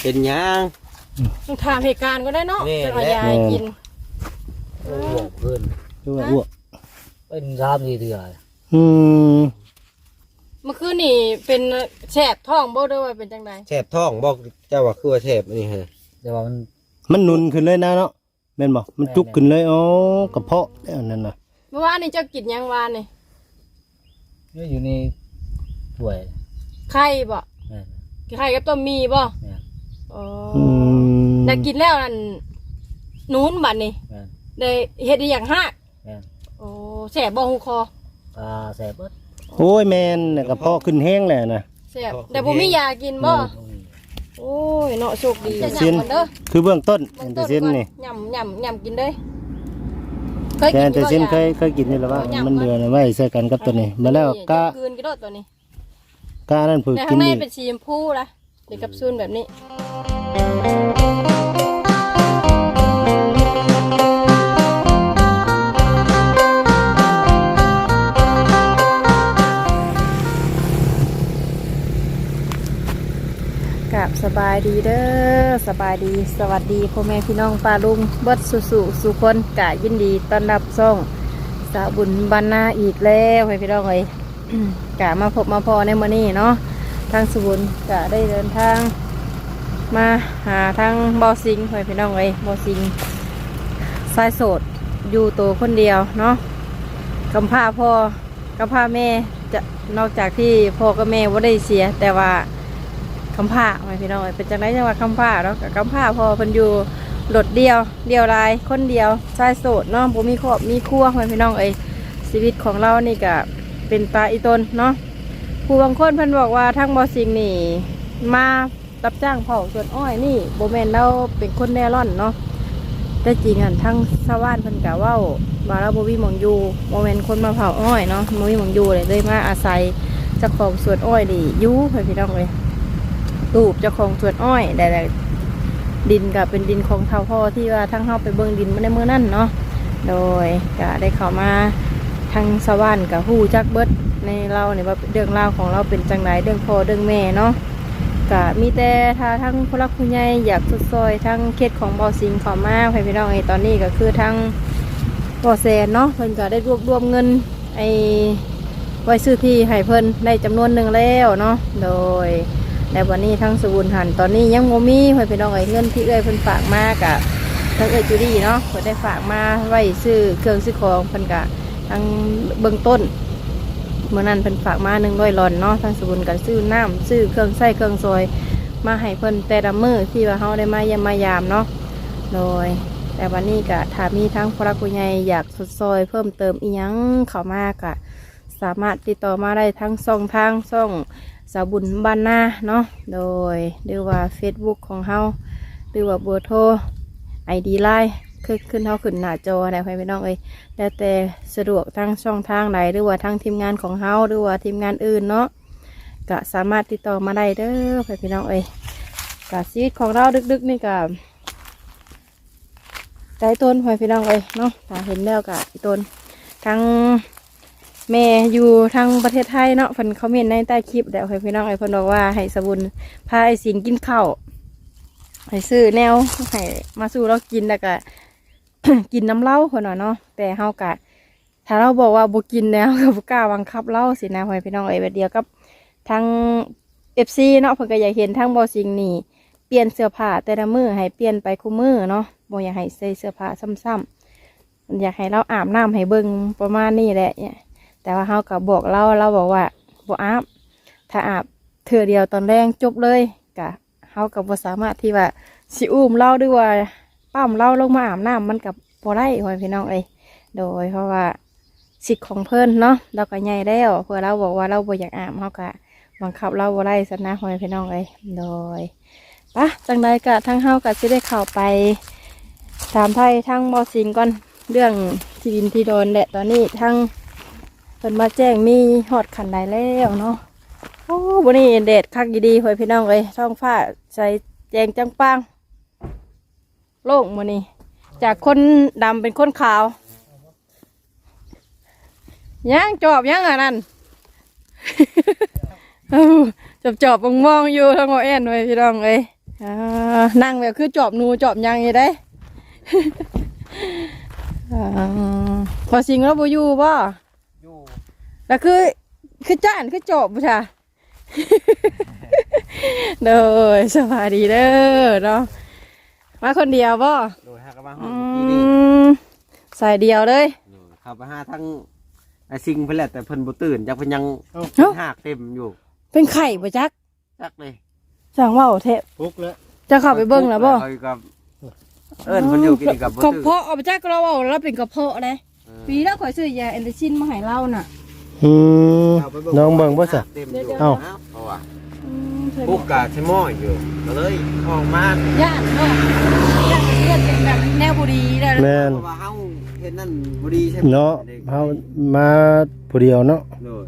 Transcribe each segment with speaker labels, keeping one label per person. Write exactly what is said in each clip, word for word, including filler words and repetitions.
Speaker 1: เป็นหยัง
Speaker 2: ต้องถามเหตุการณ์ก็ได้เนาะจะเอายากิน
Speaker 3: อ้วกเพิ่น
Speaker 4: ตัวอ้วก
Speaker 3: เป็นสามสี่เดือน
Speaker 4: อืม
Speaker 2: เมื่อคืนนี่เป็นแสบท้องบ่ด้วยว่าเป็นจังได
Speaker 1: แสบท้องบอกเจ้าว่าคือว่าแสบอันนี้ฮะ
Speaker 3: แต่ว่ามัน
Speaker 4: มันหนุนขึ้นเลยนะเนาะแม่นบ่มันจุกขึ้นเลยอ๋อกระเพาะนั่นน่ะ
Speaker 2: เมื่อวานนี่เจ้ากินยังวานนี่
Speaker 3: นี่อยู่ในถ้วย
Speaker 2: ไข่บ่ไข่กับต้มมีบ่อ๋อได้กินแล้วนั่นนู้นบัดนี่ได้เฮ็ดอีหยังฮะโอ้แสบบ่หูคอ
Speaker 3: อ่าแสบเบิด
Speaker 4: โอ้ยแม่นกระเพาะขึ้นแห้งแล้วนะ
Speaker 2: แสบแต่บ่มียากินบ่โอ้ยเนาะโชคดี
Speaker 4: ซินคือเบื้องต้นแต่ซินนี่
Speaker 2: ยำยำยำกินเด้
Speaker 4: เคยกินแต่ซินเคยเคยกินนี่แล้วว่ามันเดือนไว้ใส่กันกับตัวนี้มาแล้วกะ
Speaker 2: คืนกี่โดดตัวนี้
Speaker 4: กะนั่นฝึกกิน
Speaker 2: นี่ข้างในเป็นสีชมพูละเด็กกับซูนแบบนี้กับสบายดีเด้อสบายดีสวัสดีพ่อแม่พี่น้องป้าลุงเบิดสุสุสุคนกะยินดีต้อนรับส่งสาวบุญบรรณาอีกแล้วให้พี่น้องเลย กะมาพบมาพอในมื้อนี้เนาะทางสบุญกะได้เดินทางมาหาทางบ่อสิงให้พี่น้องเลยบ่อสิงสายโสดอยู่ตัวคนเดียวเนาะกำพร้าพ่อกำพร้าแม่จะนอกจากที่พ่อกับแม่ว่าได้เสียแต่ว่าคำผ้าไม่พี่น้องเป็นจังไรจังหวัดคำผ้าเนาะคำผ้าพอเพิ่นอยู่หลดเดียวเดียวลายคนเดียวชายโสดเนาะบ่มีครอบมีครัวไม่พี่น้องเอ้ยชีวิตของเรานี่ก็เป็นตาอีตนเนาะผู้บางคนเพิ่นบอกว่าทั้งบ่อสิงนี่มารับจ้างเผาสวนอ้อยนี่โบแมนเราเป็นคนแน่ร่อนเนาะแต่จริงอ่ะทั้งชาวบ้านเพิ่นกะว่าว่าเราบ่มีหม่องอยู่โบแมนคนมาเผาอ้อยเนาะบ่มีหม่องอยู่เลยเลยมาอาศัยเจ้าของสวนอ้อยนี่อยู่ไม่พี่น้องเอ้ยตูบเจ้าของสวนอ้อยแต่ดินก็เป็นดินของเท่าพ่อที่ว่าทั้งเข้าไปเบิ่งดินมาในเมื่อนั่นเนาะโดยก็ได้เข้ามาทางสวรรค์กับฮู้จักเบิดในเราเนี่ยว่าเรื่องราวของเราเป็นจังไรเรื่องพ่อเรื่องแม่เนาะก็มีแต่ถ้าทั้งผู้รักผู้ใหญ่อยากสุดซอยทั้งเขตของบ่อสิงเข้ามาให้พี่น้องไอ้ตอนนี้ก็คือทั้งบ่อแสนเนาะเพิ่นก็ได้รวบรวมเงินไอ้ไว้ซื้อที่ให้เพิ่นได้จำนวนหนึ่งแล้วเนาะโดยแต่วันนี้ทั้งสบุญหันตอนนี้ยังโมมีเพื่อนพี่น้องเอ้ยเงินที่เอ้ยเพิ่นฝากมากะทั้งเอ้ยจูดี้เนาะเพิ่นได้ฝากมาไว้ซื้อเครื่องซื้อของเพิ่นกะทั้งเบื้องต้นเมื่อนั้นเพิ่นฝากมาหนึ่งร้อยหลอนเนาะทั้งสบุญกันซื้อน้ำซื้อเครื่องใส่เครื่องซอยมาให้เพิ่นแต่ละมื้อที่ว่าเฮาได้มาเยี่ยมมายามเนาะโดยแต่วันนี้กะถ้ามีทั้งพระผู้ใหญ่อยากสุดซอยเพิ่มเติมอีหยังเข้ามากะสามารถติดต่อมาได้ทั้งช่องทางช่องสาวบุญบ้านนาเนาะโดยหรือว่า เฟซบุ๊ก ของเฮาหรือว่าเบอร์โทร ไอ ดี ไลน์ขึ้นขึ้นเฮาขึ้นหน้าจอได้ให้พี่น้องเอ้ยแล้วแต่สะดวกทั้งช่องทางไหนหรือว่าทางทีมงานของเฮาหรือว่าทีมงานอื่นเนาะก็สามารถติดต่อมาได้เด้อให้พี่น้องเอ้ยก็ชีวิตของเราดึกๆนี่ก็ใจต้นให้พี่น้องเอ้ยเนาะถ้าเห็นแล้วก็ต้นทั้งแม่อยู่ทางประเทศไทยเนาะเพิ่นเขาเมนในใต้คลิปแล้วให้พี่น้องไอ้เพิ่นบอกว่าให้สบุญพาไอ้สิงกินข้าวให้ซื้อแนวให้มาสู้เรากินแล้วก็ กินน้ำเหล้าคนน่ะเนาะแต่เฮากะถ้าเราบอกว่าบ่กินแล้วก็บ่กล้าบังคับเราสินะให้พี่น้องไอ้แบบเดียวกับทาง เอฟ ซี เนาะเพิ่นก็อยากเห็นทางบ่อสิงนี่เปลี่ยนเสื้อผ้าแต่ละมื้อให้เปลี่ยนไปคู่มื้อเนาะบ่อยากให้ใส่เสื้อผ้าซ้ำๆอยากให้เราอาบน้ำให้เบิ่งประมาณนี้แหละเนี่ยแต่ว่าเขาก็บอกเราเราบอกว่าบ่อาบถ้าอาบเถื่อเดียวตอนแรกจบเลยกะเขาก็บ่สามารถที่ว่าสิอุ้มเราด้วยว่าปั้มเราลงมาอาบน้ำมันกับบ่ได้หอยพี่น้องเอ้ยโดยเพราะว่าสิทธิ์ของเพิ่นเนาะเราก็ใหญ่แล้วเพื่อเราบอกว่าเราบ่อยากอาบเขาก็บังคับเราบ่ได้ซะนะหอยพี่น้องเอ้ยโดยปะจังใดก็ทั้งเฮาก็สิได้เข้าไปถามไทยทั้งบ่อสิงก่อนเรื่องที่ดินที่โดนแหละตอนนี้ทั้งเพิ่นมาแจ้งมีฮอดขันใดแล้วเนาะโอ้บนนี้เด็ดคักดีๆเฮ้ยพี่น้องเอ้ยท้องฟ้าใส่แจงจังปังโล่งบนนี้จากคนดำเป็นคนขาวยังจอบยังอ่ะนั่น จอบจอบมองมองอยู่ทั้งหมดเอ็นเฮ้ยพี่น้องเอ้ยอ่านั่งแบบคือจอบหนูจอบหยังอยู่ได้ อ่าพอสิงแล้วบ่อยู่บ่
Speaker 1: อยู่
Speaker 2: แล้วคือคือจ้านคือจอบบ่จ้ะ เด้อสวัสดีเด้อเนาะมาคนเดียวบ่
Speaker 1: โดยหากนมาห้
Speaker 2: อื
Speaker 1: องเมื่อกี้นี่
Speaker 2: มใส่เดียวเลย
Speaker 1: โดยเข้าไปหาทั้งไอ้ซิงเพิ่นแหละแต่เพิ่นบ่ตื่นจักเพิ่นยัง
Speaker 2: เอ้า
Speaker 1: เป็นหากเต็มอยู่
Speaker 2: เป็นไข่บ่จัก
Speaker 1: จักเลย
Speaker 2: สั่งเว่าเทะ
Speaker 4: ปุ๊กแล้ว
Speaker 2: จะเข้าไปเบิ่งแล้วบ่
Speaker 1: เอาอยู่กับเอิ้นเพิ่นอยู่กินกับบ่
Speaker 2: กระ
Speaker 1: ตื่น
Speaker 2: เพาะเอาไปจักเราเอาแล้วเป็นกระเพาะเลย
Speaker 1: เออ
Speaker 2: ปีแล้วข่อยซื้อยาแอนเตซินมาให้เราน่ะ
Speaker 4: อืม
Speaker 1: เอาไป
Speaker 4: น้องเบิ่งบ่ซะ
Speaker 1: เต็มอยู่
Speaker 4: เอ้า
Speaker 1: เพราะว่า
Speaker 2: อืมเคยบ
Speaker 1: ปุ๊
Speaker 2: อก
Speaker 1: กกะใช้หม้ออยู่ก็เลยออกมา
Speaker 2: ย่านเนาะย่านเลือดเป็นแบบแนวบุรีเลย
Speaker 4: แม่น
Speaker 1: เพราะว่าเฮาเฮ็ดนั่นบ่ดีใช่ไหม
Speaker 4: เนาะเฮามาผู้เดียวเนาะ
Speaker 1: โดย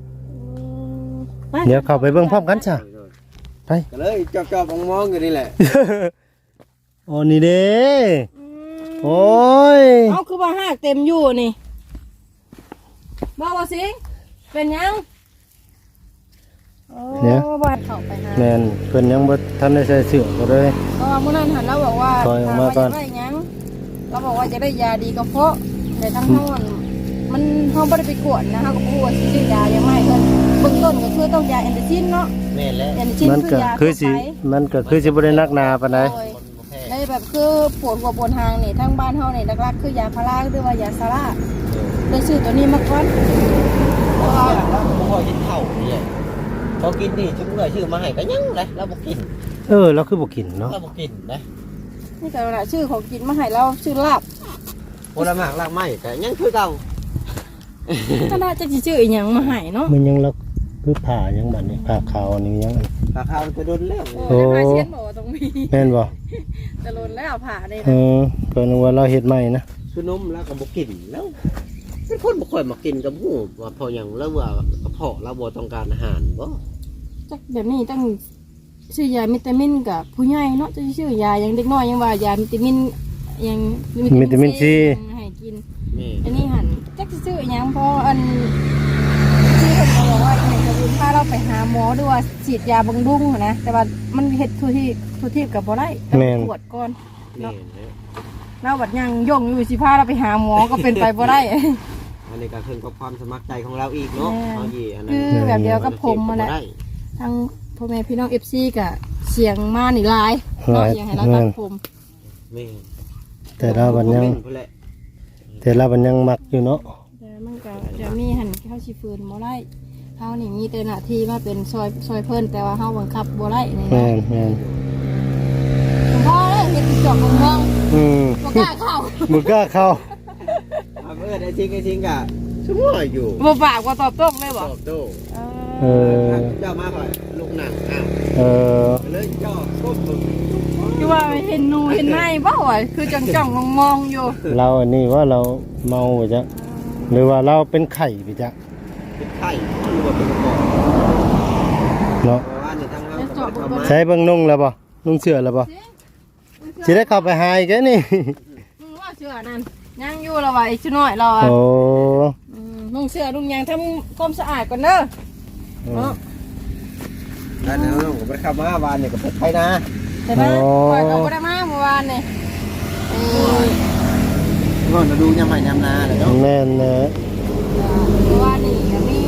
Speaker 4: เดี๋ยวเข้าไปเบิ่งพร้อมกันจ้ะ
Speaker 1: โดย
Speaker 4: ไป
Speaker 1: ก็เลยจอบๆมองๆอยู่นี่แหละ
Speaker 4: อ๋อนี่เด้
Speaker 2: อืม
Speaker 4: โอ้ย
Speaker 2: เอาคือว่าหากเต็มอยู่นี่บอกว่าสิเป็นยังโอ้บ้านเข้าไปหา
Speaker 4: แม่นเพิ่นยังบ่ทันได้ใส่เสื้อก็เลย
Speaker 2: เพราะว่ามื้อนั้นหันเราบอกว่า
Speaker 4: ถอยออกมาก่อน
Speaker 2: ถว่จะได้หยังเราบอกว่าจะได้ยาดีกระเพาะแต่ทั้งเฮาอะมันเฮาบ่ได้ไปกวดนะเฮาก็บ่รู้ว่าสิซื้อยายังไงเพิ่นเบื้องต้นก็คือต้องยาแอนติซินเนาะ
Speaker 1: แม่นแล้ว
Speaker 2: แอนติซิน
Speaker 4: มัน
Speaker 2: คื
Speaker 4: ก็
Speaker 2: อยา
Speaker 4: คือสิ
Speaker 2: ทั่วไป
Speaker 4: มันก็คือสิบ่ได้นักหนาปานใด
Speaker 2: โดยในแบบคือปวดหัวปวดหางนี่ทั้งบ้านเฮานี่หลักๆคือยาพาราหรือว่ายาซาร่าได้ซื้อตัวนี้มาก่อนเพราะว่า
Speaker 1: เราบ่ค่อยกินข้าวนี่พอกินนี่ชุบเมื่อยชื่อมาให้ก็ยังเลยเราบ่กิน
Speaker 4: เออเราคือบ่กินเนาะ
Speaker 1: เราบ่กินนะ
Speaker 2: นี่แต่ละชื่อของกินมาให้เราชื่อลาบ
Speaker 1: ผลไม้รากไม้แต่ยังคือเก่า
Speaker 2: ถ้าน่าจะสิชื่ออีหยังมาให้เนาะ
Speaker 4: มันยังลักคือผ่ายังบัดนี้ผ่าขาวนี่ยัง
Speaker 1: ราคามันจะโดนแล้ว
Speaker 2: โอ้ยได้มาเชียนบอกว่าต้องมี
Speaker 4: แม่นบ่
Speaker 2: จะลนแล้วผ่าได้
Speaker 4: เอ
Speaker 2: นะ
Speaker 4: อก็นึกว่าเราเฮ็ดใหม่นะ
Speaker 1: คือนมแล้วก็บ่กินแล้วเป็นคนบ่ค่อยมากินกับหมูว่าพออย่างแล้วว่ากระเพาะเราบ่ต้องการอาหารบ่
Speaker 2: จักแบบนี้ต้องชื่อยาวิตามินกับผู้ใหญ่เนาะจะชื่อยายังเด็กน้อยยังว่ายาวิตามินยัง
Speaker 4: วิตามินซี
Speaker 2: ยังให้กิน
Speaker 1: แม่
Speaker 2: อันนี้หันจักสิชื่ออีหยังเพราะอันที่คนเขาบอกว่าอีหยังจะบุญพาเราไปหาหมอด้วยว่าฉีดยาบำรุงหั้นนะแต่ว่ามันเฮ็ดทุกที่ทุกที่กับบ่ได้ต้องตรวจก่อน
Speaker 1: แม่
Speaker 2: เราบัดยังย่องอยู่สิพาเราไปหาหมอก็เป็นไปบ่ได้
Speaker 1: อันนี้ก็ขึ้นกับความสมัครใจของเราอีกเนาะเอาอีอันนั้น
Speaker 2: คือแบบเดียวกับผมมาแหละ ทั้งพ่อแม่พี่น้องเอฟซีกับเสียงมาหนีลายเนาะอย่างให้เราตัดผม
Speaker 1: แม่
Speaker 4: แต่เราบัดยัง
Speaker 1: พุ่นแหละ
Speaker 4: แต่เราบัดยังมักอยู่เนาะ
Speaker 2: แต่มันก็จะมีหันเข้าชีฟืนบ่ได้เฮานี่มีแต่หน้าที่มาเป็นซอยซอยเพิ่นแต่ว่าเฮาบังคับบ่ได้นี่
Speaker 4: แม่
Speaker 2: นะ
Speaker 4: นแม่น
Speaker 2: ผมพ่อเลยเฮ็ดจอกมอง
Speaker 4: อืม
Speaker 2: ๆบ่กล้าเข้า
Speaker 4: บ่กล้าเข้า
Speaker 1: เอาเออไอ้จริงไอ้จริงกะชั่วโมงอยู่
Speaker 2: บ่ปากบ่ตอบโต้เลย
Speaker 1: ต
Speaker 2: บ่
Speaker 1: อบโต้
Speaker 4: เออ
Speaker 1: เจ้ามาก่อนลูกหนังอ้าว
Speaker 4: เออ
Speaker 1: เลยเจ้าก้มลง
Speaker 2: คือว่าเห็นหนูเห็นในบ่ว่าคือจ้องๆมองๆอยู่
Speaker 4: เราอันนี้ว่าเราเมาไปจ้ะหรือว่าเราเป็นไข่ไปจ้ะ
Speaker 1: เป็นไข้หรือว่าเป็นกระป๋อง
Speaker 4: เนาะ
Speaker 1: เพราะว่าในทางเราก็ไม่ได้เข้ามา
Speaker 4: ใช้เบิ่งนุ่งแล้วบ่นุ่งเสื้อแล้วบ่สิได้เข้าไปหาอีกแกนี่
Speaker 2: มึงว่าเสื้อนั่นยังอยู่แล้วว่าอีกชั่วน้อยเราอ่ะ
Speaker 4: โอ้
Speaker 2: อืมนุ่งเสื้อนุ่งยางทำความสะอาดก่อนเด้อเนาะ
Speaker 1: อันนั้นเราก็ไปเข้ามาวานเนี่ยก็เป็นไข้นะ
Speaker 2: แต่นะปล่อยเขาบ่ได้มาเมื่อวานนี่เอ้ย
Speaker 1: ก่อนเราดูยำใหม่ยำนาเลยเนาะ
Speaker 4: แม่นแหละ
Speaker 2: เมื่อวานนี่ก็มี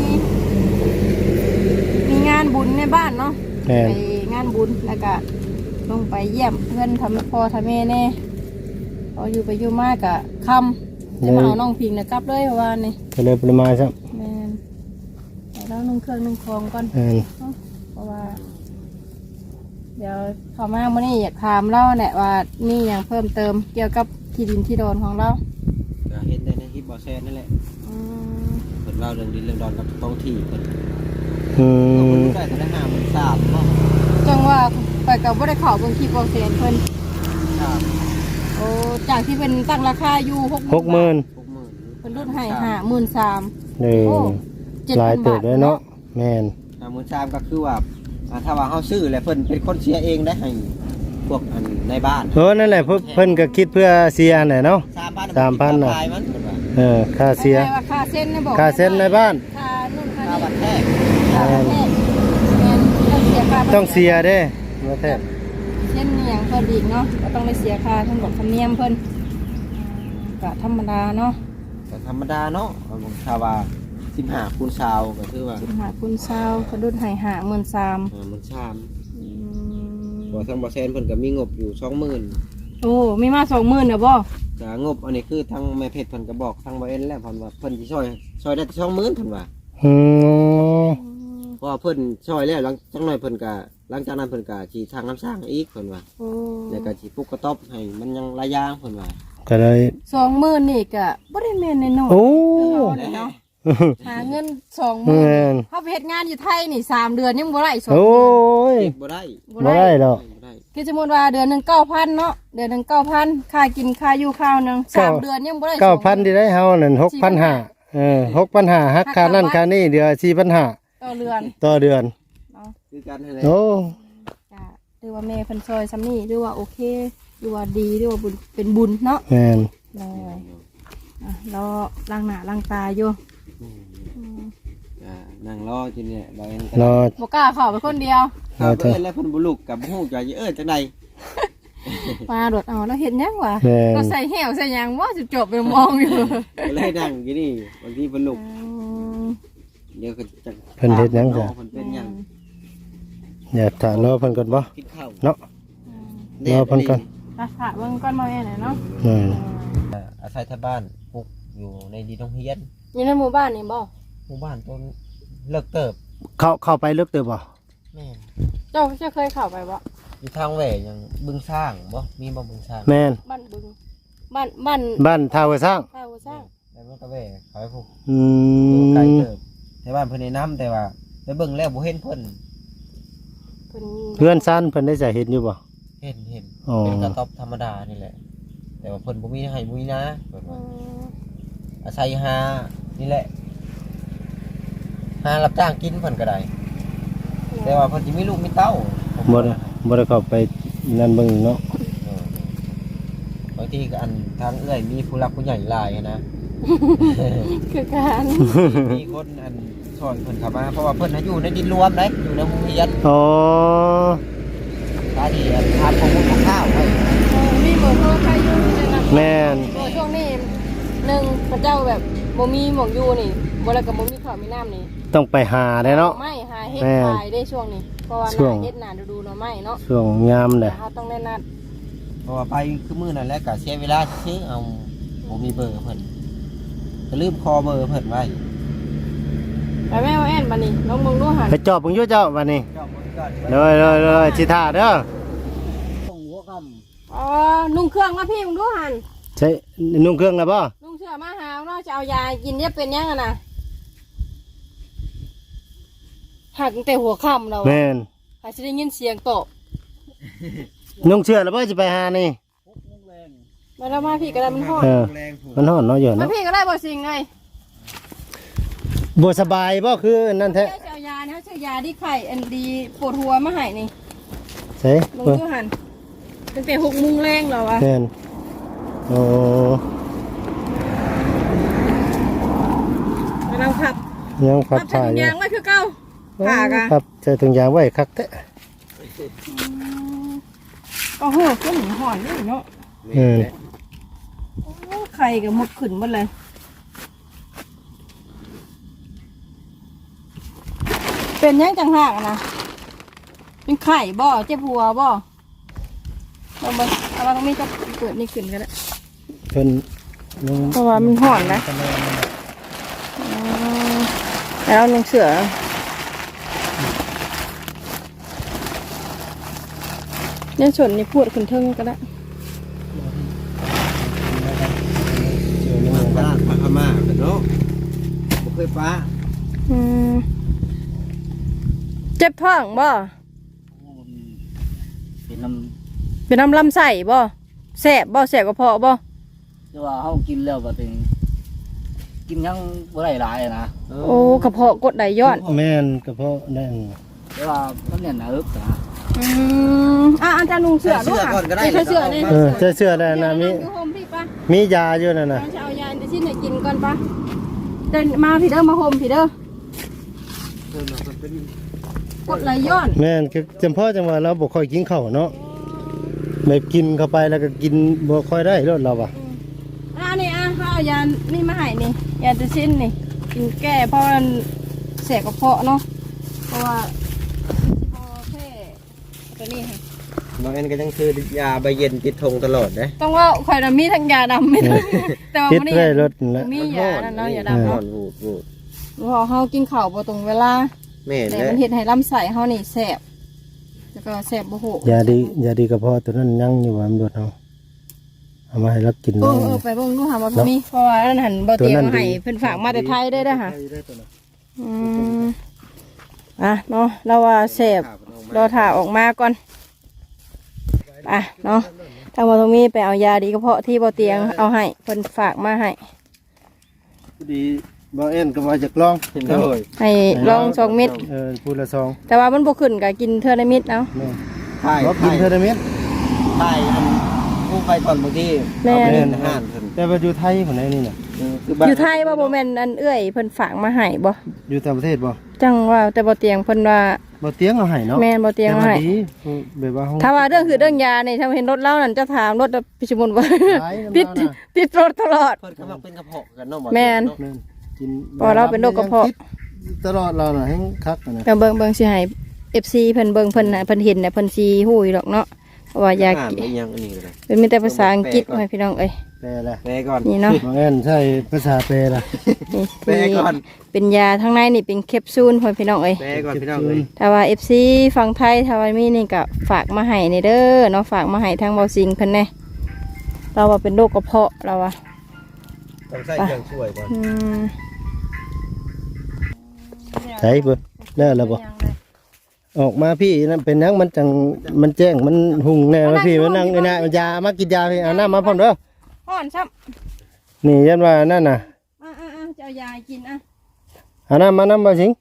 Speaker 2: มีงานบุญในบ้านเนาะ
Speaker 4: แม่น
Speaker 2: ไปงานบุญแล้วก็ลงไปเยี่ยมเพื่อนทำพ่อทำแม่แน่พออยู่ไปอยู่มากกะค่ำจะมาเอาน้องพิงนะกลับเลยเมื่อวานนี่
Speaker 4: ก็เลยปริมาณซะ
Speaker 2: แม่นแต่แล้วนุ่งเครื่องนุ่งคลองก่อน
Speaker 4: แม่น
Speaker 2: เพราะว่า เดี๋ยวเขามาเมื่อนี้อยากถามเล่าแหละว่ามีอย่างเพิ่มเติมเกี่ยวกับที่ดินที่โดนของเรา
Speaker 1: ก็เห็นได้ในคลิปบอแซนนั่นแหละ
Speaker 2: อืม
Speaker 1: เพิ่นเล่าเรื่องดินเรื่องดอนกับท้องที่เพิ่น
Speaker 4: อื
Speaker 1: ก็
Speaker 4: ม
Speaker 1: เพิ่นได้แต่ได้ห้าหมื่นสามเนาะ
Speaker 2: จังว่าไปกับว่าได้ข่าวเบางทีโปรเซนเพิ่น
Speaker 1: ครับ
Speaker 2: โอ้จากที่เป็นตั้งราคาอยู่หก
Speaker 4: หกหมื่น
Speaker 1: หกหมื่น
Speaker 2: เป็นรุ่นให้ห้าหมื่นสาม
Speaker 4: เออ
Speaker 2: โอ้เจ็ด
Speaker 4: หลาย
Speaker 2: พัน
Speaker 4: เติ
Speaker 2: บา
Speaker 4: บ
Speaker 2: ท
Speaker 4: เลยเนาะแม่น
Speaker 1: ห้าหมื่นสามก็คือว่าอ่าถ้าว่าเฮาซื้อแล้วเพิ่นเป็นคนเสียเองได้ให้พวกอันในบ้าน
Speaker 4: เออนั่นแหละเพิ่นเพิ่นก็คิดเพื่อเสียน่ะเนาะ
Speaker 1: สามพัน
Speaker 4: สามพันน่ะ
Speaker 1: ขายมันเพิ่นว่า
Speaker 4: เออค่าเสีย
Speaker 2: คล้ายๆว่าค่าเส้นนะบอก
Speaker 4: ค่าเส้นในบ้าน
Speaker 2: ค่านู่นค่า
Speaker 1: ค่า
Speaker 2: นี่
Speaker 1: บัตรแท้
Speaker 2: ค่าแรกแม่นต้องเสียค่า
Speaker 4: ต้องเสียเด้มาแท้
Speaker 2: สอนอีกเนาะก็ต้องได้เสียค่าทั้งหมดธรรมเนียมเพิ่นก็ธรรมดาเนาะ
Speaker 1: แต่ธรรมดาเนาะผมชาวว่าสิบห้าคูณชาวก็คือว่า
Speaker 2: สิบห้าคูณเช้ากระดุดให้หาหมื่นสาม
Speaker 1: เออมันชามบ่ทางบ่แซนเพิ่นก็มีงบอยู่สองหมื่น
Speaker 2: โอ้มีมาสองหมื่นเด้อบ่
Speaker 1: แต่งบอันนี้คือทางแม่เพชรเพิ่นก็บอกทางบ่เอ็นแล้วเพิ่นว่าเพิ่นสิช่วยช่วยได้สองหมื่นเพิ่นว่า
Speaker 4: อืม
Speaker 1: เพราะว่าเพิ่นช่วยแล้วหลังจักหน่อยเพิ่นก็หลังจากนั้นเพิ่นก็สิทางน้ำสร้างอีกเพิ่นว่า
Speaker 2: โอ้
Speaker 1: แล้วก็สิปลูกกระต๊อบให้มันยังหลายอย่างเพิ่นว่า
Speaker 4: ก็เลย
Speaker 2: สองหมื่นนี่ก็บ่ได้แม่นน้อยๆ
Speaker 4: โอ้
Speaker 2: เนาะหาเงินสองหมื่
Speaker 4: แม่น
Speaker 2: นเขาไปเฮ็ดงานอยู่ไทยนี่สามเดือนยังบ่ได้สอง
Speaker 4: โอ้
Speaker 2: เดือน
Speaker 4: ย
Speaker 1: เก็บบ่ได้
Speaker 4: บ่ได้หรอก
Speaker 1: บ่ได้
Speaker 2: คือสมมุติว่าเดือนหนึงเก้าพันเนาะเดือนหนึงเก้าพันค่ากินค่าอยู่ข้าวหนึงสามเดือนยังบ่ได้
Speaker 4: เก้าพันที่ได้เฮานั่นหกพันห้าเออหกพันห้าหักค่านั่นค่านี่เดือนสี่พันห้า
Speaker 2: ต่อเดือน
Speaker 4: ต่อเดือน
Speaker 2: เนาะ
Speaker 1: คือกันนั่นแหละ
Speaker 4: โอ้
Speaker 2: ก็หรือว่าแม่เพิ่นซอยซ้ำนี่หรือว่าโอเคหรือว่าดีหรือว่าบุญเป็นบุญเนาะ
Speaker 4: แม่น
Speaker 2: เลยอ่ะรอล้างหน้าล้างตาอยู่
Speaker 1: อ่านั่งรอจิเนี่ยบ่เอ็น
Speaker 4: รอ
Speaker 2: บ่กล้าเข้าไปคนเดียว
Speaker 1: ครับบ่เอ็นแล้วเพิ่นบ่ลุกกับฮู้จะเอ้ยจังได๋
Speaker 2: มาโดดเอาแล้วเฮ็ดหยังวะ
Speaker 4: แม่น
Speaker 2: ก็ใส่แหวใส่หยังว่าสิจบไปมองอยู่
Speaker 1: ก็เลยนั่งอยู่นี่บางทีเพิ่นลุก
Speaker 2: อืม
Speaker 1: เดี๋ยวก็จะ
Speaker 4: เพิ่นเฮ็ดหยังจ้ะ
Speaker 1: เพิ่นเป็นหยัง
Speaker 4: อย่าถ้ารอเพิ่นก่อนบ่
Speaker 1: กินข้าว
Speaker 4: เนาะ รอเพิ่นก่อน
Speaker 2: อ่ะค่ะเบิ่งก่อนมาแม่หน่อยเนาะ
Speaker 4: แม่น
Speaker 1: อ่าอาศัยที่บ้านปลูกอยู่ในดีโรงเรียน
Speaker 2: อยู่ในหมู่บ้านนี่บ่
Speaker 1: หมู่บ้านต้นเลิกเติบ
Speaker 4: เข้าเข้าไปลึกเติบบ่
Speaker 1: แม่น
Speaker 2: เจ้าเจ้าเคยเข้าไปบ่
Speaker 1: อยู่ทางแหว่ยังบึงสร้างบ่มีบ่บึงสร้าง
Speaker 4: แม่น
Speaker 2: บ้านบึงบ้านบ้าน
Speaker 4: บ้านท่าหัวสร้าง
Speaker 2: ท่าหัวสร้าง
Speaker 1: แล้วมันก็แหว่เขาให้พวก
Speaker 4: อื
Speaker 1: อยู่ไกล
Speaker 4: ม
Speaker 1: เติบแต่บ้านเพิ่นแนะนํแต่ว่าไปเบิ่งแล้วบ่เห็นเพิ่น
Speaker 2: เพิ่น
Speaker 4: เพื่อนซ่านเพิ่นได้จะเห็นอยู่บ่
Speaker 1: เห็นเห็น
Speaker 4: อ๋อ
Speaker 1: เป็นกระต๊อบธรรมดานี่แหละ แต่ว่าเพิ่นบ่มีให้บ่มีนะเพิ่น
Speaker 2: อื
Speaker 1: ว่าม อาศัยหานี่แหละหารับจ้างกินเพิ่นก็ได้ แต่ว่าเพิ่นสิมีลูกมีเต้าผม
Speaker 4: บ่ได้บ่ได้เข้าไปนั่นเบิ่งเนาะ
Speaker 1: เออบางทีก็อันทางเอื้อยมีผู้รักผู้ใหญ่หลายนะ
Speaker 2: คือการ
Speaker 1: มีคนอันสอนเพิ่นเข้ามาเพราะว่าเพิ่นน่ะอยู่ในดินรวมเด้อยู่ในโรงเรียน
Speaker 4: อ๋อ
Speaker 1: ตาดีอันทานของมุกของข้าวให้
Speaker 2: เออมีเบอร์โทรใครอยู่ในนั้น
Speaker 4: แม่น
Speaker 2: เออช่วงนี้หนึ่งพระเจ้าแบบบ่มีหมองอยู่นี่บ่แล้วก็บ่มีข้าวมีน้ำนี่
Speaker 4: ต้องไปหาได้เนาะ
Speaker 2: ไม่หาเฮ็ด
Speaker 4: แม่น
Speaker 2: ขายได้ช่วงนี้เพราะว่าห
Speaker 4: ช่วง
Speaker 2: น้าเฮ็ดหน้าฤดูหน่อไม้เนาะ
Speaker 4: ช่วงยามแห
Speaker 2: แต่
Speaker 4: ละ
Speaker 2: เฮาต้องได้นัด
Speaker 1: เพราะว่าไปคือมื้อนั้นแหละก็เสียเวลาซื้อเอาบ่มีเบอร์เพิ่นก็ลืมคอเบอร์เพิ่นไว้
Speaker 2: ไปแม่เอาแอนบัดนี้ลองเบิ่งดูหั่น
Speaker 4: ไปจอบเบิ่งอยู่เจ้าบัดนี้
Speaker 1: เจ้าคนก่อน
Speaker 4: เลยเลยเลยสิท่าเด้อ
Speaker 1: ส่งหัวค่
Speaker 2: อ๋อนุ่งเครื่องมาพี่มึงดูหั่น
Speaker 4: ใช้นุ่งเครื่องแล้วบ่
Speaker 2: นุ่งเสื้อมาหาเนาะจะเอายากินเนี่ยเป็นยังอะน่ะหักตั้งแต่หัวค่ำแล้ว
Speaker 4: แม่น
Speaker 2: หาสิได้ยินเสียงตอบ
Speaker 4: นุ่งเสื้อแล้วบ่สิไปหานี่
Speaker 2: มาแล้วมาพี่ก็ได้มันฮ้อน
Speaker 4: เออ
Speaker 1: แรงผูก
Speaker 4: มันร้อนเนาะอยู่
Speaker 2: มา
Speaker 4: เนาะ
Speaker 2: พี่ก็ได้บ่สิ่งเลย
Speaker 4: บ่สบายบ่คือนั่นแท้
Speaker 2: เจ้าจะเอายาเนี่ยชื่อยาที่ไข่อันดีปวดหัวมาให้นี่
Speaker 4: ใช่
Speaker 2: ลงดูหั่นตั้งแต่หกโมงแรงแล้ววะ
Speaker 4: แม่นโอ้
Speaker 2: กำลังขับ
Speaker 4: ยังขั
Speaker 2: ขั
Speaker 4: บบ
Speaker 2: ใส่
Speaker 4: ถ่าย
Speaker 2: ถุง
Speaker 4: อยู่
Speaker 2: ยางไว้คือเก่าผ่ากะ
Speaker 4: ครับใส่ถุงยางไว้คักแท้
Speaker 2: ก็โหก็หนีห่อนนี่เนาะ
Speaker 4: เออ
Speaker 2: โอ้ไข่กับหมดขึ้นหมดเลย เป็นยังจังหักอะนะเป็นไข่บ่เจ็บหัวบ่เราไปเอาเราต้องมีก็เปิดนี่ขึ้นกันแล้ว
Speaker 4: เพิ่นนุ่ง
Speaker 2: เพราะว่ามันห่อนนะอ๋อแล้วนุ่งเสือเนี่ยส่วนนี้พูดขึ้นเทิงก็ได้
Speaker 1: เชื่อมันป้าป้าพม่าเป็นเนาะบ่เคยป้า
Speaker 2: อืมเจ็บท้องบ่
Speaker 3: เป็นน้
Speaker 2: เป็นน้ำลำไส้บ่แสบบ่แสบกระเพาะบ่
Speaker 3: ำแต่ว่าเขากินแล้วก็เป็นกินยังบ่ได้หลายอะนะ
Speaker 2: โอ้กระเพาะกดไหลย้อน
Speaker 4: แม่นกระเพาะนั่น
Speaker 3: แต่ว่ามันเนี่ยหนาอึกนะ
Speaker 2: อืมอ่ะอาจารย์นุ่งเสือด้วยค่ะใส่เสือนี่
Speaker 4: เออใส่เสื้อได้นะมี
Speaker 2: อยู่โฮมพี่ปะ
Speaker 4: มียาอยู่นั่นน่ะ
Speaker 2: เราจะเอายาจะชิ้นไหนกินก่อนปะเดินมาพี่เด้อมาโฮมพี่เด้อ
Speaker 1: เพิ่นน่ะเพิ่นเป็น
Speaker 2: กดไหลย้อน
Speaker 4: แม่นคือจำเพาะจังว่าเราบ่ค่อยกินข้าวเนาะแบบกินเข้าไปแล้วก็กินบ่ค่อยได้รสเราอ่ะ
Speaker 2: อ่านี่อ่ะเขาเอายานี่มาให้นี่ยาตัวชิ้นนี่กินแก้เพราะมันเสียกระเพาะเนาะเพราะว่าพอแค่ตัวนี้ค่ะ
Speaker 1: บางอันก็ยังคือยาใบเย็นติดทงตลอดนะ
Speaker 2: ต้องว่าข่อยน่ะมีทั้งยาดำมีทั้งแต่ว่า
Speaker 4: คิด
Speaker 2: มื้อนี้
Speaker 4: ได้รสนั่นแหละ
Speaker 2: มียานั่นเนาะยา
Speaker 1: ร้
Speaker 2: ดำ
Speaker 1: อ
Speaker 2: เนาะ
Speaker 1: นวูดวูด
Speaker 2: พอเฮากินข้าวบ่ตรงเวลา
Speaker 1: แม่น
Speaker 2: แต่
Speaker 1: แล้ว
Speaker 2: มันเฮ็ดให้ลำไส้เฮานี่แสบแล้วก็แสบบ่โห
Speaker 4: ยาดียาดีกระเพาะตัวนั้นยังอยู่ว่ามันโดดเอาเอามาให้เรากิน
Speaker 2: เออเออไปเบิ่งดูหาว่าบ่มีเพราะว่าอันนั้นบ่เตรียมมาให้เพิ่นฝากมาแต่ไทยได้เด้อค่ะอืมอ่ะเนาะเราว่าแสบรอถ่าออกมาก่อนอ่ะเนาะทางบ่ตรงนี้ไปเอายาดีกระเพาะที่บ่เตียงเอาให้เพิ่นฝากมาให้
Speaker 4: พอดีบ่เอ็นก็ว่าจะลอง
Speaker 1: โอ้ย
Speaker 2: ให้ลองสองเม็ด
Speaker 4: เออพูดละซอง
Speaker 2: แต่ว่ามันบ่ขึ้นก็กินเทื่อละเม็ดเอา
Speaker 4: แม่
Speaker 1: ถ่าย
Speaker 4: บ่กิน
Speaker 1: ถ่าย
Speaker 4: เทอร์นาเมนต์
Speaker 1: ถ่ายอันผู้ไปตอนบางที
Speaker 2: แม่
Speaker 1: เอาไป
Speaker 2: น
Speaker 1: เล่นอาหารเพิ่น
Speaker 4: แต่ว่าอยู่ไทยคนไหนนี่น่ะ
Speaker 1: คือบ้าน
Speaker 2: อยู่ไทยบ่บ่แม่นอันเอื้อยเพิ่นฝากมาให้บ่
Speaker 4: อยู่ต่างประเทศบ่
Speaker 2: จังว่าแต่บ่เตียงเพิ่นว่า
Speaker 4: บ่เตียงเอาให้เนาะ
Speaker 2: แม่นบ่เตียง
Speaker 4: แต่
Speaker 2: เอา
Speaker 4: ว่า
Speaker 2: ให้
Speaker 4: ดีแบบว่าเฮา
Speaker 2: ถ้าว่าเรื่องคือเรื่องยานี่ถ้าเห็นรถเล่านั่นจะถามรถพิชมุนว่า
Speaker 4: หลายน้ำ
Speaker 2: ติด
Speaker 4: เราน่ะ
Speaker 2: ติดรถตลอด
Speaker 1: เพิ่นกำลังเป็นกระเพาะกันเนาะบ่
Speaker 2: แม่น
Speaker 1: เนาะ
Speaker 4: แม่นกิน
Speaker 2: เพราะเราเป็นโรคกระเพาะ
Speaker 4: ตลอดเราน่ะแฮงคักอะนะ
Speaker 2: แต่เบิ่งเบิ่งสิให้ เอฟ ซี เพิ่นเบิ่งเพิ่นน่ะเพิ่นเห็นน่ะเพิ่นสิฮู้อยู่ดอกเนาะเพราะว่ายา
Speaker 1: อ่าน
Speaker 2: กิ
Speaker 1: ไปยังอันนี้เลย
Speaker 2: เป็นมีแต่ภาษาอังกฤษให้พี่น้องเอ้ย
Speaker 4: แปลละ
Speaker 1: แปลก่อน
Speaker 2: นี่เนาะ
Speaker 4: บางอันใช่ภาษาแปลละ
Speaker 2: นี่
Speaker 1: แปลก่อน
Speaker 2: เป็นยาทั้งในนี่เป็นแคปซูลให้พี่น้องเอ้ย
Speaker 1: แปลก่อนพี่น้องเอ้ย
Speaker 2: ถ้าว่า เอฟ ซี ฝั่งไทยถ้าว่ามีนี่ก็ฝากมาให้นี่เด้อเนาะฝากมาให้ทางเบาซิงเพิ่นแน่เราว่าเป็นโรคกระเพาะเราว่า
Speaker 1: ต้องใส่เครื่องช่วยก่อน
Speaker 2: อืม
Speaker 4: ใช่เบิ่ได้แล้วบ่ออกมาพี่นั่นเป็นหยังมันจังมันแจ้งมันหุ่งแน่ว่าพี่มันนั่งไอ้น่ะมันยามากินยาพี่เอาน้ำมาพร้อมเด้อ
Speaker 2: ฮ้อนซ้ำ
Speaker 4: นี่ยันว่านั่นน่ะ
Speaker 2: อ่ะๆๆจะเอายาให้กินอ่ะ
Speaker 4: เอาน้ำมาน้ำมาสิง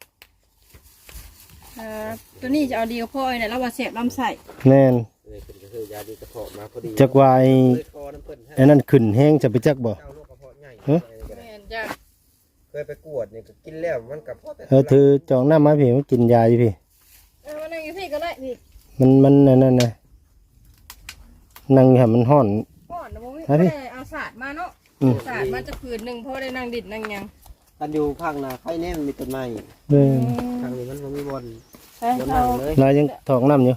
Speaker 2: เอ่อตัวนี้จะเอาดีกับพ่อเนี่ยแล้วว่าเสียบลำไส้
Speaker 4: แน่น
Speaker 1: นี่เพิ่นก็คือยาดีกระเพาะมาพอดี
Speaker 4: จักวาย
Speaker 1: เคยคอน้ำเพิ่นให้
Speaker 4: ไอ้นั่นขึ้นแห้งจะไปจักบ่
Speaker 1: เจ้าโรคกระเพาะใหญ่
Speaker 4: ฮะ
Speaker 2: แม่นจ้ะ
Speaker 1: เคยไปกวดนี่ก็กินแล้วมันกระเพาะแต่
Speaker 4: เออถือจองน้ำมาพี่มันกินยาอยู่พี่
Speaker 2: เออมานั่งอยู่พี่ก็ได้พี่
Speaker 4: มันมันนั่นนั่นน่ะนั่งให้มันฮ้อน
Speaker 2: ก่อนนะบ่มี
Speaker 4: เอาดิ
Speaker 2: ได้เอาศาสตร์มาเนาะ
Speaker 4: อืม
Speaker 2: ศาสตร์มาจะคืนหนึงเพราะได้นั่งดิดนั่งหยัง
Speaker 1: กันอยู่ภาคนาไข่แน่มันมีต้นไม้
Speaker 4: เออ
Speaker 1: ทางนี้มันบ่มีบอล
Speaker 2: เอ้ย
Speaker 1: บน
Speaker 2: เอา
Speaker 1: นั่งเลย
Speaker 4: เรายังถอกน้ำอยู่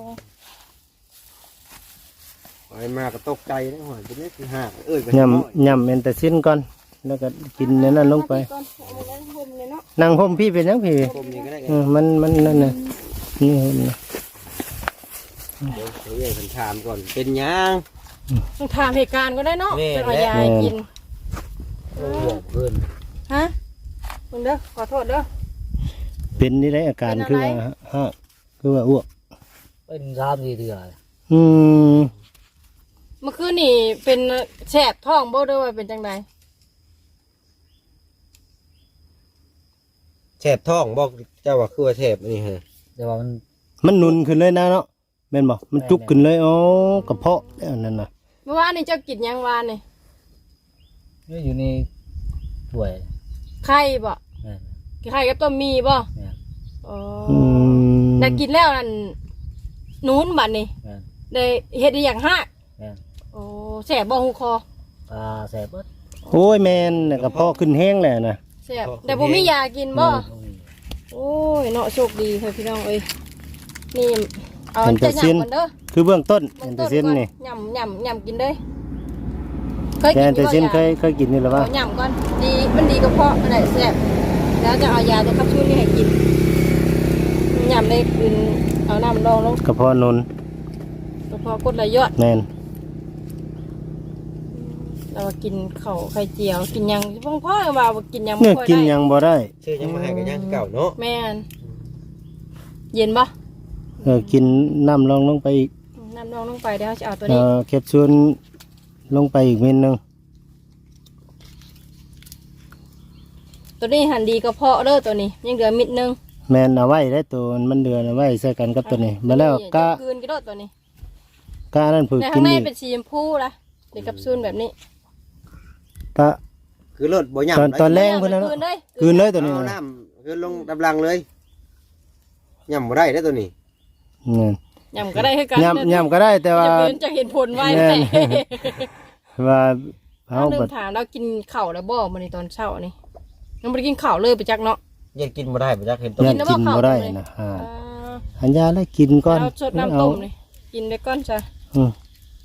Speaker 2: โอ้
Speaker 1: ไปมาก็ตกใจนะหอยเป็นเลขที่ห้าเอ้ยไป
Speaker 4: ย่ำย่ำเอ็นแต่สิ้นก่อนแล้วก็กินในนั้นลงไป
Speaker 2: ก่อนเอาไว้ห่มเลยเนาะ
Speaker 4: นั่งห่มพี่เป็นยังพี่
Speaker 1: ผมนี่ก็ได้ไง
Speaker 4: เออมันมันนั่นน่ะนี่ห่มน่ะ
Speaker 1: เดี๋ยวเดี๋ยวเพิ่นถามก่อนเป็นหยัง
Speaker 2: ต้องถามเหตุการณ์ก็ได้เนาะ
Speaker 1: แม่
Speaker 2: เป็นเอายาให้กิน
Speaker 1: โอ้บอกเพิ่น
Speaker 2: ฮะมึงเด้อขอโทษเด้อ
Speaker 4: เป็นนี่ได้อาการ
Speaker 2: เป็น
Speaker 4: คือ
Speaker 2: อะไร
Speaker 4: ว่าฮะคือว่าอ้วก
Speaker 3: เป็นสามสี่เดือน
Speaker 4: อืม
Speaker 2: เมื่อคืนนี่เป็นแสบท้องบ่เด้อว่าเป็นจังได
Speaker 1: แฉบท้องบอกเจ้าว่าคือว่าแฉบอันนี้ฮะ
Speaker 3: แต่ว่ามัน
Speaker 4: มันหนุนขึ้นเลยนะเนาะแม่นบ่มันจุกขึ้นเลยอ๋อกระเพาะแล้วนั่นน่ะ
Speaker 2: เมื่อวานนี่เจ้ากินหยังวานนี่
Speaker 3: อยู่ในถ้วย
Speaker 2: ไข่บ่
Speaker 3: แม่น
Speaker 2: ไข่กับต้มมีบ่
Speaker 3: แม่น
Speaker 2: อ๋อ
Speaker 4: อืม
Speaker 2: ได้กินแล้วนั่นนู้นบัดนี่
Speaker 3: แม่น
Speaker 2: ได้เฮ็ดอีหยังฮะ
Speaker 3: แม่น
Speaker 2: โอ้แสบบ่หูคอ
Speaker 3: ตาแสบเบิด
Speaker 4: โอ้ยแม่นน่ะกระเพาะขึ้นแห้งแล้วน่ะ
Speaker 2: แสบแต่บ่มียากินบ่
Speaker 3: บ่มี
Speaker 2: โอ้ยเนาะโชคดีเฮ้ยพี่น้องเอ้ยนี่เอา
Speaker 4: เป็น
Speaker 2: จะ
Speaker 4: แต่สิ้น
Speaker 2: ยำก่อนเด้อ
Speaker 4: คือเบื้องต้น
Speaker 2: เบื้
Speaker 4: เป็
Speaker 2: อน ง
Speaker 4: แต่
Speaker 2: ต้น
Speaker 4: สิ้น
Speaker 2: ก่อน
Speaker 4: นี่
Speaker 2: ยำยำยำกินเด้อเคย
Speaker 4: แต่
Speaker 2: กิน
Speaker 4: แต่สิ้นเค
Speaker 2: บ่
Speaker 4: ยเคยกินนี่หรือเปล่า
Speaker 2: เอายำก่อนดีมันดีกับเพาะอะไรแสบแล้วจะเอายาตัวคับชูนี่ให้กินยำได้กินเอาน้ำรองลง
Speaker 4: กระเพาะนน
Speaker 2: กระเพาะกดไหลยอด
Speaker 4: แม่น
Speaker 2: เรากินข้าวไข่เจียวกินหยังพ่อพ่อว่าบ่กินหยังบ่
Speaker 4: เนื้อ
Speaker 2: ค่อย
Speaker 4: กิน
Speaker 2: ได้
Speaker 4: ยังบ่ได้
Speaker 1: ชื่อยังมาให้กันยังเก่าเนาะ
Speaker 2: แม่นเย็นปะ
Speaker 4: เออกินน้ำลองลงไปอีก
Speaker 2: น้ำรองลงไปเดี๋ยวจะเอาตัว
Speaker 4: เอ
Speaker 2: นี้
Speaker 4: อแคปซูลลงไปอีกเม็ดหนึง
Speaker 2: ตัวนี้หันดีกระเพาะเด้อตัวนี้ยังเหลือมิดนึง
Speaker 4: แม่นเอาไว้ได้ตัวมันเดือนเอาไว้ใส่กันกับตัวนี้มาแล้วก็
Speaker 2: จะคืนกี่โดดตัวนี้
Speaker 4: ก็นั่นฝึก
Speaker 2: ใน
Speaker 4: กิ
Speaker 2: ข้าน งใน
Speaker 4: อีก
Speaker 2: เป็นสีชมพูละเด็กกับซูนแบบนี้
Speaker 4: ก็
Speaker 1: คือรถบ่ยำ
Speaker 4: ตอนตอนแรกเพิ่นนะ
Speaker 2: คืนเลย
Speaker 4: คืนเลยตัวนี้
Speaker 1: เอา
Speaker 4: นะ
Speaker 1: น้ำคือลงดำลังเลยยำบ่ได้ได้อตัวนี้
Speaker 4: นี่
Speaker 2: ยำก็ได้คือกัน
Speaker 4: ยำยำก็ได้แต่ว่า
Speaker 2: จะเป็นจะเห็นผลไว
Speaker 4: แม่
Speaker 2: แม่
Speaker 4: น ว่า
Speaker 2: เอา
Speaker 4: เฮา
Speaker 2: เดิ
Speaker 4: บั
Speaker 2: น
Speaker 4: ด
Speaker 2: ถามแล้วกินข้าวแล้วบ่มื้อนี้ตอนเช้านี่ยังบ่ได้กินข้าวเลยไปจักเนาะ
Speaker 1: ยังกินบ่ได้บ่จักเห็นตัว
Speaker 4: เนี่ย
Speaker 2: กินแล้ว
Speaker 4: กิน
Speaker 2: บ่
Speaker 4: บ่ได้
Speaker 2: เข้าเลย
Speaker 4: นะอ่า
Speaker 2: อ่า
Speaker 4: อันยาแล้วกินก่อน
Speaker 2: เอาสดน้ำต้มนี่กินไปก่อนจ้ะ
Speaker 4: อืม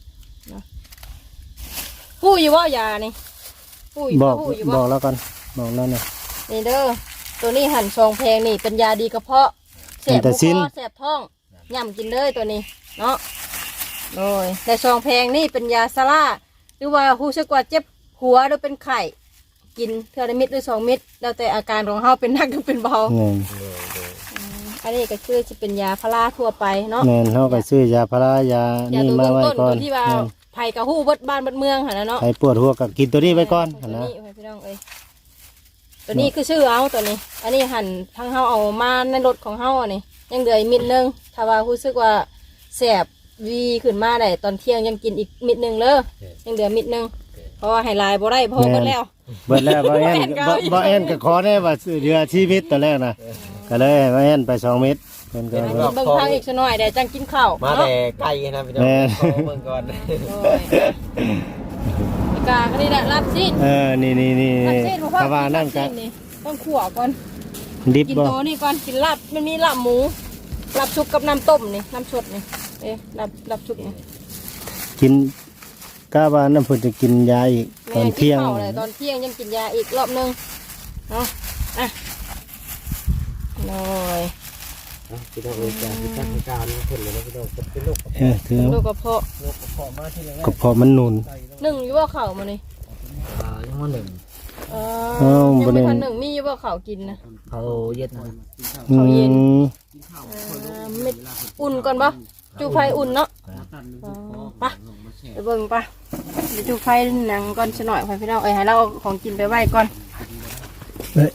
Speaker 2: ฮู้อยู่บ่ยานี่ฮู้อยู่
Speaker 4: บ
Speaker 2: บ่
Speaker 4: อก
Speaker 2: ฮู้อยู่
Speaker 4: บ
Speaker 2: บ่
Speaker 4: อกแล้วกันบอกแล้วนะ
Speaker 2: นี่เด้อตัวนี้หั่นซองแพงนี่เป็นยาดีกระเพาะแสบ
Speaker 4: แต่
Speaker 2: ค
Speaker 4: สิ้น
Speaker 2: อแสบท้องย่ำกินเลยตัวนี้เนาะโอ้ยแต่ซองแพงนี่เป็นยาซาร่าหรือว่าฮู้สึกว่าเจ็บหัวหรือเป็นไข้กินเทื่อละเม็ดหรือสองเม็ดแล้วแต่อาการของเฮาเป็นหนักหรือเป็นเบา
Speaker 4: แม่น
Speaker 2: อันนี้ก็คือจะเป็นยาพาราทั่วไปเนาะ
Speaker 4: แม่นเฮาก็ซื้อยาพารายาย
Speaker 2: า
Speaker 4: นี่
Speaker 2: ตัว
Speaker 4: มา
Speaker 2: เบื้อง
Speaker 4: ไว้
Speaker 2: ต้น
Speaker 4: ก่อ
Speaker 2: ตั
Speaker 4: น
Speaker 2: วที่ว่า
Speaker 4: แม่น
Speaker 2: ไผ่กับหู้เบิดบ้านเบิดเมืองหั่นนะเนาะ
Speaker 4: ใครปวดหัวก็กินตัวนี้ไว้ก่อน
Speaker 2: ตัว
Speaker 4: นะ
Speaker 2: นี้ไว้พี่น้องเอ้ยตัวนี้คือชื่อเอาตัวนี้ อันนี้หั่นทั้งเฮาเอามาในรถของเฮาอันนี้ยังเหลืออีกมิดนึงถ้าว่ารู้สึกว่าแสบวีขึ้นมาได้ตอนเที่ยงยังกินอีกมิดนึงเลยยังเหลือมิดนึงเพราะว่าให้ลายบ่ได้เพราะเบิดแล้ว
Speaker 4: เบิดแล้วบ่แอนบ่บ่แอนก็ขอได้ว่าซื้อเรือชีวิตตอนแรกนะก็เลยให้บ่แอนไปสองเม็ดเพิ่นก็
Speaker 2: เบิ่งทางอีกสักหน่อยเดี๋ยวจังกินข้าว
Speaker 1: มา
Speaker 2: เนาะ
Speaker 1: แต่ไกลนะพี่น้อง
Speaker 4: แม่
Speaker 1: ขอเบิ่งก่อน
Speaker 2: โอ้ยอีกาอันนี้แหละลาบซีด
Speaker 4: เออนี่นี่นี่
Speaker 2: ลาบซีดเพราะว่า
Speaker 4: ถ้าว่านั่นก็
Speaker 2: ลาบซีดต้องขั่วก่อน
Speaker 4: ดิบ
Speaker 2: กิน
Speaker 4: บ่
Speaker 2: ตัวนี่ก่อนกินลาบมันมีลาบหมูลาบชุบกับน้ำต้มนี่น้ำสดนี่เอ๊ะลาบลาบชุบนี่
Speaker 4: กินกะว่าน้ำเพิ่นจะกินยาอีกตอนเที่ยง
Speaker 2: แม่กินข้าวเลยตอนเที่ยงยังกินยาอีกรอบนึงเนาะอ่ะหน่อย
Speaker 1: พี่น้องเอ้ยจ้ะพี่จักการเพิ่นเลยนะพี่น้องเป็นโรค
Speaker 4: เออถือ
Speaker 2: ลูกกระเพาะ
Speaker 1: โรคกระเพาะมาที่แรก
Speaker 4: ก็เพราะมันนุน
Speaker 2: หนึ่งอยู่ว่าเข่าวมานี่
Speaker 1: อ่ายังว่าหนึ่ง
Speaker 2: เออ
Speaker 4: อ้าว
Speaker 2: ยัง
Speaker 4: บ่ได้
Speaker 2: ไม่ทันหนึ่งมีอยู่ว่าเข่าวกินนะ
Speaker 1: เขาเย็ดนะ
Speaker 4: อืม
Speaker 2: เออเม็ดอุ่นก่อนปะจูไฟอุ่นเนาะอ๋อไปไปเบิ่งปะเดี๋ยวจูไฟหนังก่อนสักหน่อยไปพี่น้องเอ้ยให้เราเอาของกินไปไหว้ก่อน
Speaker 4: เอ้ย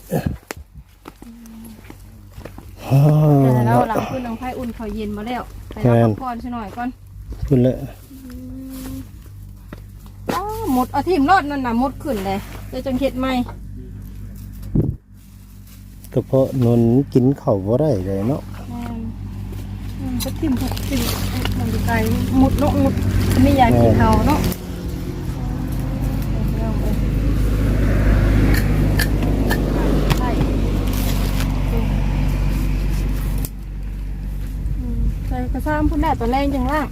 Speaker 4: อ๋อ
Speaker 2: เดี๋ยวให้เราหลังขึ้นน้องไฟอุ่นเขาเย็นมาแล้วไปเราพักผ่อนสักหน่อยก่อน
Speaker 4: ขึ้นเลย
Speaker 2: อ้าวหมดเอาทิมรอดนั่นน่ะหมดขึ้นเลยเดี๋ยวจังเฮ็ดใหม่
Speaker 4: ก็เพราะนุนกินข้าวบ่ได้เลยเนาะ
Speaker 2: แม่นอืมก็ทิมก็ทิมเอ้ยมันจะไกลหมดเนาะหมดไม่อยากกินเอาเนาะเอาไปใช่อืมใส่กระซ้ำพุ่นได้ตอนแรกจังล่าง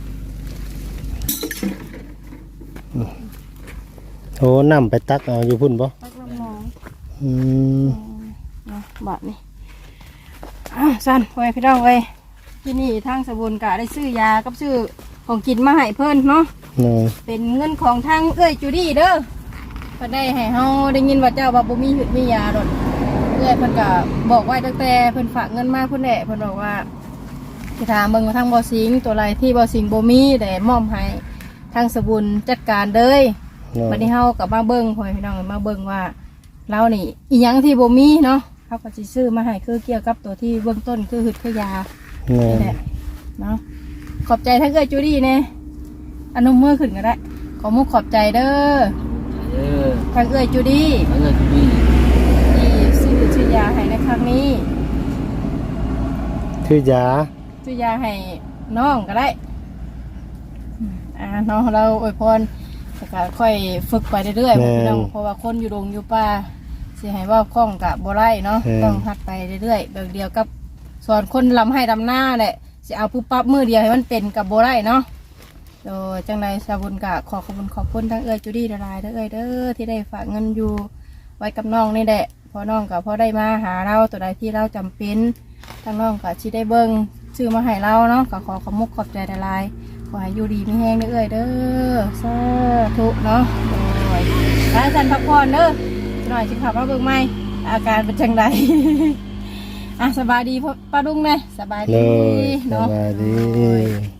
Speaker 4: โอ้น้ำไปตักเอาอยู่พุ่นบ่
Speaker 2: ตักน้ำหนอง
Speaker 4: อืม
Speaker 2: เนาะบาทนี่อ่ะสั้นไว้พี่น้องเว้ยที่นี่ทางสบุนกะได้ซื้อยากับซื้อของกินมาให้เพิ่นเนาะ
Speaker 4: เนาะ
Speaker 2: เป็นเงินของทางเอ้ยจูดี้เด้อเพิ่นได้ให้เฮาได้ยินว่าเจ้าว่าบ่มีหืดมียาดอกเอ้ยเพิ่นก็บอกไว้ตั้งแต่เพิ่นฝากเงินมาเพิ่นแหละเพิ่นบอกว่าสิถามเบิ่งว่าทางบ่สิงตัวไรที่บ่สิงบ่มีได้มอบให้ทางสบุนจัดการเด้ย
Speaker 4: เนาะ
Speaker 2: บัดนี้เฮากับมาเบิ่งพ่อแม่พี่น้องมาเบิ่งว่าเรานี่อีหยังที่บ่มีเนาะเฮาก็สิซื้อมาให้คือเกี่ยวกับตัวที่เบื้องต้นคือหืดคือยา
Speaker 4: เนาะ
Speaker 2: นี่แหละเนาะขอบใจทั้งเอ้ยจูดี้แน่อนุมือขึ้นก็ได้ขอมุกขอบใจเด้อ
Speaker 3: เออ
Speaker 2: ทางเอ้ยจูดี้
Speaker 3: เออที่นี่
Speaker 2: ที่ซื้อซื้อยาให้ในครั้งนี้
Speaker 4: คือยา
Speaker 2: ซื้อยาให้น้องก็ได้อืมอ่าน้องเราอวยพรแล้วก็ค่อยฝึกไปเรื่อยๆพี่น้องเพราะว่าคนอยู่ดงอยู่ป่าสิให้ว่าคล่องกับบ่ไรเนาะต้องหัดไปเรื่อยๆแบบเดียวกับสอนคนลำให้ลำหน้าแหละสิเอาปุ๊บปั๊บมือเดียวให้มันเป็นกับบ่ไรเนาะโดยจังไรสาบุญกะขอขอบคุณขอบคุณทั้งเอ้ยจูดี้ละลายเด้อเอ้ยเด้อที่ได้ฝากเงินอยู่ไว้กับน้องนี่แหละพอน้องกับพอได้มาหาเราตัวใดที่เราจำเป็นทั้งน้องกับชีได้เบิ้งซื้อมาให้เราเนาะก็ขอขอบมุกขอบใจละลายขอให้อยู่ดีไม่แห้งเด้อเอ้ยเด้อสาธุเนาะโดยร้านจันพักผ่อนเด้อหน่อยสิขับมาเบิ่งไหมอาการเป็นจังได อ่ะสบายดีพ่อป้าดุ้งไหมสบาย
Speaker 4: เล
Speaker 2: ดี
Speaker 4: ยส
Speaker 2: เนาะ
Speaker 4: บายดี
Speaker 2: โอ้ย